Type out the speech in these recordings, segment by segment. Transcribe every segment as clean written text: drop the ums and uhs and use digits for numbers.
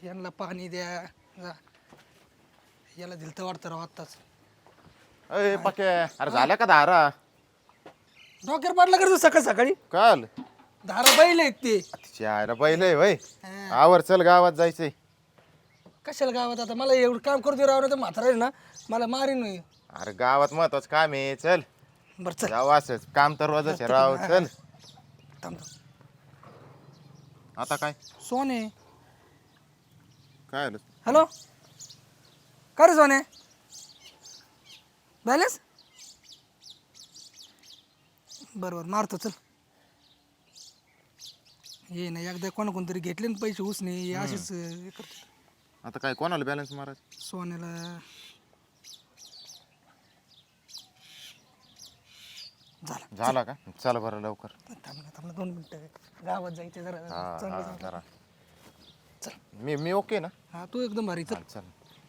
यांना पाणी द्या जा. याला दिलं तर वाटतं राव आत्ताच. अय पके अरे झाल्या का धारा डॉक्टर पाडला करतो सकाळ सकाळी काल धारा बैल आहेत ते. चायला पहिले वय हा. आवर चल गावात जायचंय. कशाला गावात आता मला एवढं काम करतो राव ना तर म्हातारा आहे ना मला मारीन नाही. अरे गावात महत्वाचं काम आहे चल बरं चल जाऊ असंच काम तर रोजच आहे राव चल. थांब. आता काय सोने काय आलं हॅलो का रे सोने बॅलेन्स बरोबर मारतो चल. ये ना एकदा कोणतरी घेतले ना पैसे उसने असेच हे करतो. आता काय कोणाला बॅलन्स मारायचं सोन्याला झालं. झाला का चल बरं लवकर. थांब ना 2 मिनिटं गावात जायचं जरा हा चांगलं हा जाऊ. जरा चल मी ओके ना हा तू एकदम भारी चल. हा, चल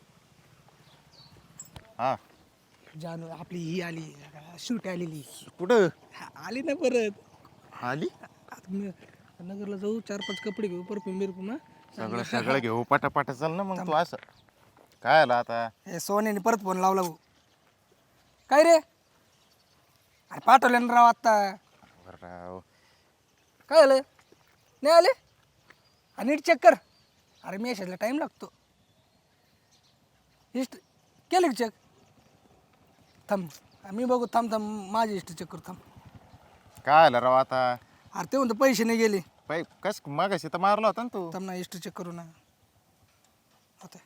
हा जानू आपली ही आली शूट आलेली कुठं हा, आली ना परत. आली आता मी नगरला जाऊ 4-5 कपडे घेऊ परफ्यूम बिरफ्यूम हा. सगळं सगळं घेऊ पटापट चल ना मग तू असं काय आलं आता हे सोन्याने परत फोन लावला भाऊ. काय रे अरे पाठवले ना राव आत्ता. राव काय झालं नाही आले आणि नीट चेक कर. अरे मेसेजला टाईम लागतो. हिस्ट्री केलं की चेक थांब मी बघू थांब माझी हिस्ट्री चेक करू थांब. काय आलं राव आता अरे ते म्हणतो पैसे नाही गेले. कस मागाशी तर मारला होता ना तू थांब ना हिस्ट्री चेक करू ना आता.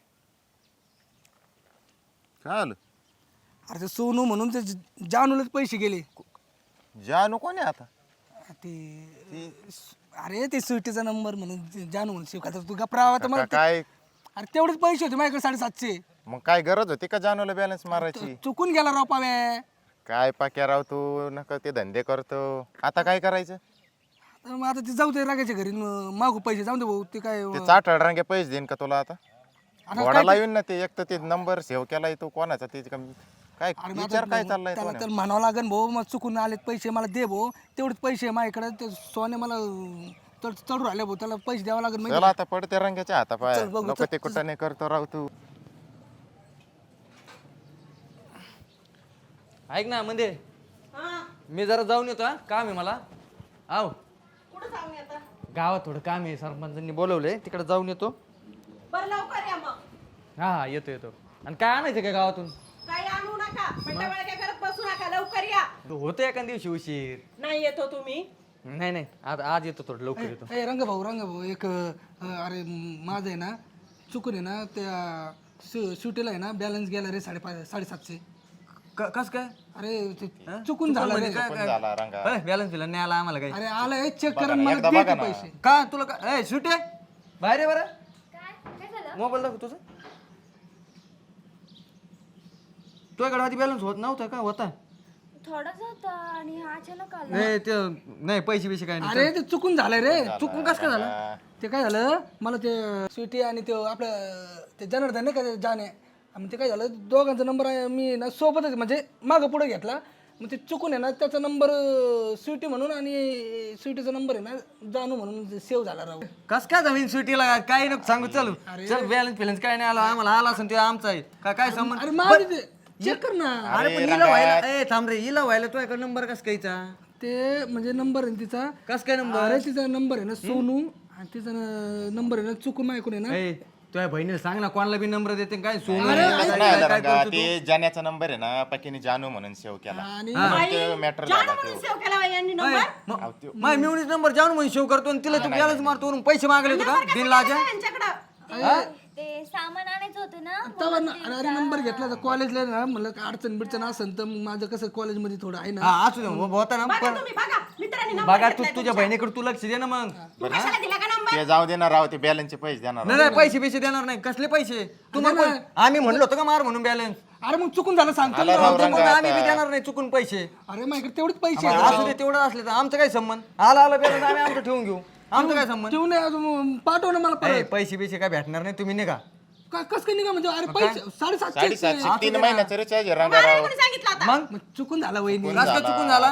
काय आलं अरे ते सोनू म्हणून ते जानूलाच पैसे गेले. जानू कोण आहे आता ते अरे ते स्विटीचा नंबर म्हणून जानू म्हणून शिवखात तू गप्रावा तर मला काय अरे तेवढेच पैसे होते माझ्याकडे 750. मग काय गरज होती का जानूला बॅलन्स मारायची चुकून गेला राव पाव्या. काय पाक्या राव तू नका ते धंदे करतो आता काय करायचं तर मग आता ते जाऊ दे रागाच्या घरी मागू पैसे जाऊ दे भाऊ ते काय ते 60 पैसे देईन का तुला आता आता घोडा लावीन ना ते एक तर ते नंबर सेव्ह केलाय तो कोणाचा ते काय अरे मग विचार आता काय चाललाय तो त्याला म्हणावं लागेल भाऊ मग चुकून आलेत पैसे मला दे भाऊ तेवढेच पैसे माझ्याकडे ते सोने मला चढू राहिले भाऊ त्याला पैसे द्यावं लागेल माहिती चला आता पडते रंगाच्या हाता पाय चल बघू, नको ते कुठं नाही करतो राव तू ऐक ना म्हणजे मी जरा जाऊन येतो हा काम आहे मला आव कुठं जाऊन येता गावात थोडं काम आहे सरपंचांनी बोलवलंय तिकडे जाऊन येतो. बरं लवकर या मग. हा येतो आणि काय आणायचं काय गावातून काही आणू नका पण काय करत बसू नका लवकर या. होतं एका दिवशी उशीर नाही येतो तुम्ही. नाही आज येतो थोडं लवकर येतो. ए रंग भाऊ एक अरे माझं आहे ना चुकून आहे ना त्या सुटीला आहे ना बॅलन्स गेला रे 750. कस काय अरे ते चुकून झालं रे. चुकून झाला रंगा बॅलन्स दिला नाही आला आम्हाला काही अरे आलं चेक बघा करा ना, मला एकदा दे बघा ते ना. पैसे. का तुला काय सुटे बाहेर आहे बरं मोबाईल दाखव तुझा तुझ्याकडे आधी बॅलन्स होत नव्हता का होता थोडाच होता आणि अचानक आला. नाही ते नाही पैसे काय नाही अरे ते चुकून झालंय रे. चुकून कसं काय झालं ते काय झालं मला ते स्वीटी आणि ते आपलं ते जनार्दन नाही का ते जाणे मग ते काय झालं दोघांचा नंबर मी ना सोबतच म्हणजे मागं पुढे घेतला मग ते चुकून आहे ना त्याचा नंबर स्वीटी म्हणून आणि स्वीटीचा नंबर आहे ना जानू म्हणून सेव्ह झाला राव. कस काय जमीन सुटीला काय नको सांगू चल चल बॅलन्स फिलन्स काय नाही आला आम्हाला आला असेल ते आमचा आहे काय संबंध अरे माझं ते चेक कर ना. अरे पण हिला व्हायला ए थांब रे हिला व्हायला तुझ्याकडे नंबर कस कायचा ते म्हणजे नंबर आहे ना तिचा कस काय नंबर अरे तिचा नंबर आहे ना सोनू आणि तिचा नंबर आहे ना चुकून माझ्याकडून आहे ना ए तुझ्या बहिणीला सांग ना कोणाला बी नंबर देते काय सोनू नाही आलं रंगा ते जाण्याचा नंबर आहे ना पकीने जानू म्हणून सेव्ह केला आणि मॅटर जाणं झाला म्हणून सेव केला बाई यांनी नंबर. माय मिळून नंबर जाऊन म्हणून शेव करतो आणि तिला तू बॅलन्स मारतो म्हणून पैसे मागले होते का दिन लाजा यांच्याकडं ते सामान आणायचं होतं ना तेव्हा अरे नंबर घेतला तर कॉलेजला ना म्हणलं का अडचण बिडचण असेल तर मग माझं कसं कॉलेजमध्ये थोडं आहे ना. हा असू दे होता ना बघा पण तुम्ही बघा मित्रांनी नंबर बघा तू तुझ्या बहिणीकडे तू लक्ष दे ना मग तू कशाला दिला का नंबर. ते जाऊ देणार राव ते बॅलन्सचे पैसे देणार नाही पैसे देणार नाही कसले पैसे तुम्हाला आम्ही म्हणलो होतो का मार म्हणून बॅलन्स अरे मग चुकून झालं सांगतो ना. आम्ही बी देणार नाही चुकून पैसे अरे माझ्याकडे तेवढेच पैसे आहेत. असू दे तेवढं असले तर आमचं काय संबंध आला बॅलन्स आम्ही आमचं ठेवून घेऊ आमचं काय संबंध ठेवून ये अजून पाठव ना मला ए, परत. पैसे काय भेटणार नाही तुम्ही निघा कस काय निघा म्हणजे अरे पैसे 750 3 महिन्याचं रिचार्ज रंगा राव कोणी सांगितलं आता. मग मग चुकून झाला वहिनी. कसं काय चुकून झाला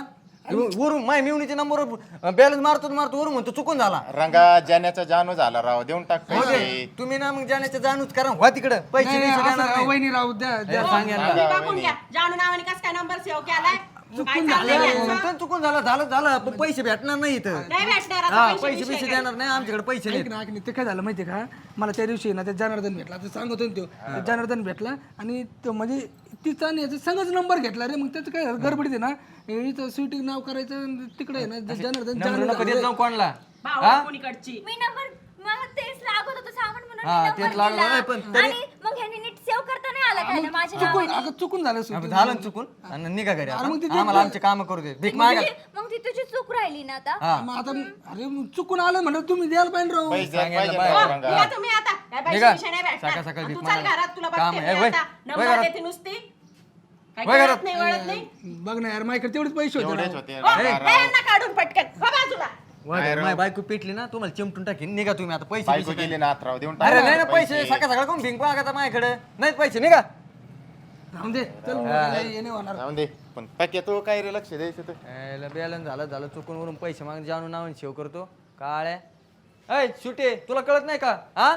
वरून माय मिवणीच्या नंबरवर बॅलन्स मारतो वरून म्हणतो चुकून झाला. रंगा जाण्याचा जानू झाला राव, देऊन टाक हो पैसे. दे. तुम्ही ना मग जाण्याच्या जाणूच करा व्हा तिकडं पैसे नाही, बिसे असं देणार नाही. वहिनी राहू द्या द्या. सांग यांना. तुम्ही बघून घ्या जानू नावाने कस काय नंबर सेव्ह केलाय काय चाललंय यांचं? म्हणतो चुकून झालं पण पैसे भेटणार नाही इथं. नाही भेटणार हा आता पैसे पैसे बिसे देणार नाही आमच्याकडे पैसे ऐक नाहीत. ना ऐक ना, ते काय झालं माहितीये का, मला त्या दिवशी ना ते जनार्दन भेटला, ते सांगतो ना तो जनार्दन भेटला आणि तो म्हणजे तिचा आणि याचा संगच नंबर घेतला रे. मग त्याचं काय गडबडीत आहे ना, इथं स्वीटी नाव करायचं आणि तिकडे आहे ना जनार्दन नंबर नको देत जाऊ कोणला. भाऊ कोणीकडची मी नंबर मला तेच लागत होतं सामान म्हणून हा, मी तेच नंबर लागलं दिला. नाही, पण तरी- आणि मग ह्याने नीट सेव्ह करता नाही आला काय माझ्या चुकून नावाने. अगं चुकून झालं स्वीटी. झालं ना चुकून आणि निघा घरी आता. मग ते- आम्हाला आमचे काम करू दे. भीक मागा. मग ती तुझी चूक राहिली ना आता. हा मग आता अरे मग चुकून आलं म्हणलं तुम्ही द्यायला पाहिजे राव. पैसे द्यायला सांगायला पाहिजे पाहिजे. राव हो, रंगा. निघा तुम्ही आता काय पैसे निघा. बिशे नाही भेटणार. सकाळ सकाळ आणि भीक तू चाल मागायला. घरात तुला काम बघते आहे. मी वय, आता. वय नंबर घरात. देते नुसती काय वय करत घरात. नाही वळत नाही बघ ना यार माझ्याकडे तेवढेच पैसे होते एवढेच राव. होते हो, रंगा हे राव. यांना काढून पटकन हो बाजूला माझी बायको पेटली ना तुम्हाला चिमटून टाकीन. निघा तुम्ही आता पैसे बायको बिसे गेली ना आत राव, देऊन अरे नाही ना टाक पैसे सकाळ सकाळ कोण भिंक मागता माझ्याकडे नाहीत पैसे. निघा. राहून दे चल हे नाही होणार. जाऊन दे. पण पक्या तू काय रे लक्ष द्यायचं तर. बॅलन्स झालं चुकून वरून पैसे माग जाणून नाव सेव करतो काळ्या. ऐ सुटे तुला कळत नाही का हा